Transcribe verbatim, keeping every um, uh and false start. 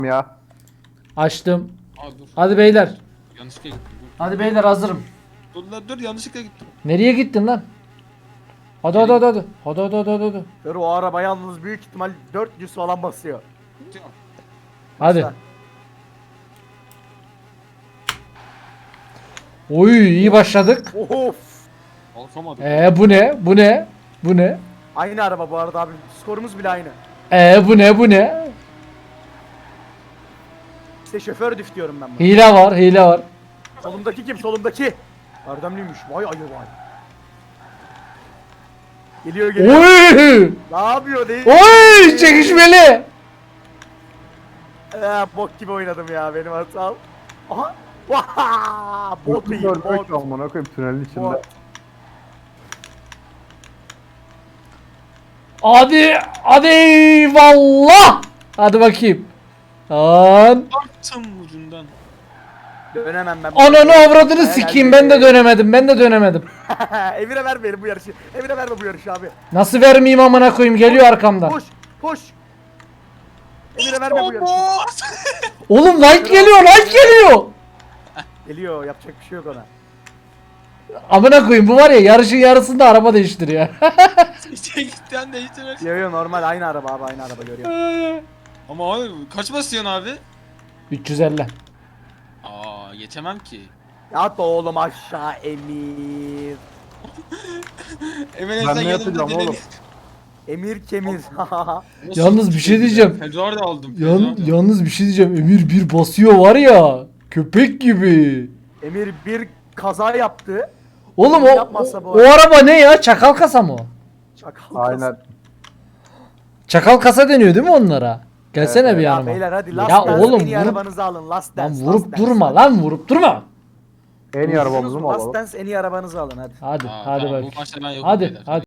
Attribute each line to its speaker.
Speaker 1: ya.
Speaker 2: Açtım.
Speaker 3: Aa dur.
Speaker 2: Hadi beyler.
Speaker 3: Yanlışlıkla gittim. Dur.
Speaker 2: Hadi beyler hazırım.
Speaker 3: Dur lan dur yanlışlıkla gittim.
Speaker 2: Nereye gittin lan? Hadi hadi hadi hadi. Hadi hadi hadi hadi. hadi.
Speaker 1: Dur o araba yalnız büyük ihtimal dört yüz falan basıyor.
Speaker 2: Hadi. Oy iyi başladık.
Speaker 1: Of.
Speaker 3: Kalkamadım.
Speaker 2: Ee bu ne? Bu ne? Bu ne?
Speaker 1: Aynı araba bu arada abi. Skorumuz bile aynı.
Speaker 2: Ee bu ne? Bu ne?
Speaker 1: İşte şoför düf diyorum ben buna.
Speaker 2: Hile var, hile var.
Speaker 1: Solumdaki kim? Solumdaki. Erdemliymiş. Vay ayı vay. Geliyor geliyor.
Speaker 2: Oy!
Speaker 1: Ne yapıyor değil?
Speaker 2: Oy! Çekişmeli.
Speaker 1: Ee, bok gibi oynadım ya benim hatam. Aha. Vaha! Bot iyi. Bot.
Speaker 4: Görmek amına koyayım tünelin içinde.
Speaker 1: Bot.
Speaker 2: Hadi, hadi eyvallah. Hadi bakayım. Lan.
Speaker 3: Attım ucundan.
Speaker 1: Dönemem ben.
Speaker 2: Ananı avradını
Speaker 1: Helal
Speaker 2: sikeyim
Speaker 1: be.
Speaker 2: ben de dönemedim. Ben de dönemedim.
Speaker 1: Emir'e vermeyelim bu yarışı. Emir'e verme bu yarışı abi.
Speaker 2: Nasıl vermeyeyim amına koyayım geliyor arkamdan.
Speaker 1: Koş. Koş. Emir'e verme bu yarışı.
Speaker 2: Oğlum like geliyor, like geliyor.
Speaker 1: Geliyor yapacak bir şey yok ona.
Speaker 2: Amına koyayım bu var ya yarışın yarısında araba değiştiriyor.
Speaker 3: Çekitten değiştirmek.
Speaker 1: Yo yo normal aynı araba abi aynı araba görüyorum.
Speaker 3: Ama abi kaç basıyorsun abi?
Speaker 2: üç yüz elli.
Speaker 3: Aa geçemem ki.
Speaker 1: Yat oğlum aşağı Emir.
Speaker 3: Emre
Speaker 4: Ben
Speaker 3: sen
Speaker 4: ne
Speaker 3: yanımda
Speaker 4: yapacağım
Speaker 3: direni-
Speaker 4: oğlum?
Speaker 1: Emir kemir.
Speaker 3: Nasıl
Speaker 2: Yalnız bir şey diyeceğim.
Speaker 3: Ferrari aldım.
Speaker 2: Yan,
Speaker 3: Ferrari.
Speaker 2: yalnız bir şey diyeceğim. Emir bir basıyor var ya. Köpek gibi.
Speaker 1: Emir bir kaza yaptı.
Speaker 2: Oğlum o,
Speaker 1: Yapmazsa bu
Speaker 2: o, o araba ne ya? Çakal kasa mı o?
Speaker 1: Çakal.
Speaker 4: Aynen.
Speaker 2: Çakal kasa deniyor değil mi onlara? Gelsene
Speaker 4: Evet,
Speaker 2: bir
Speaker 1: Ya
Speaker 2: yanıma.
Speaker 1: beyler hadi Last
Speaker 2: Ya
Speaker 1: Dance
Speaker 2: oğlum,
Speaker 1: en iyi
Speaker 2: vurup-
Speaker 1: arabanızı alın Last
Speaker 2: Lan
Speaker 1: Dance.
Speaker 2: vurup
Speaker 1: Last Dance.
Speaker 2: durma lan vurup durma.
Speaker 4: En iyi arabamızı mı
Speaker 1: Last
Speaker 4: alalım?
Speaker 1: Dance en iyi arabanızı alın hadi.
Speaker 2: Hadi
Speaker 3: Aa,
Speaker 2: hadi
Speaker 3: tamam,
Speaker 2: bak.
Speaker 3: bu maçta ben yokum
Speaker 2: Hadi
Speaker 3: beyler.
Speaker 2: hadi.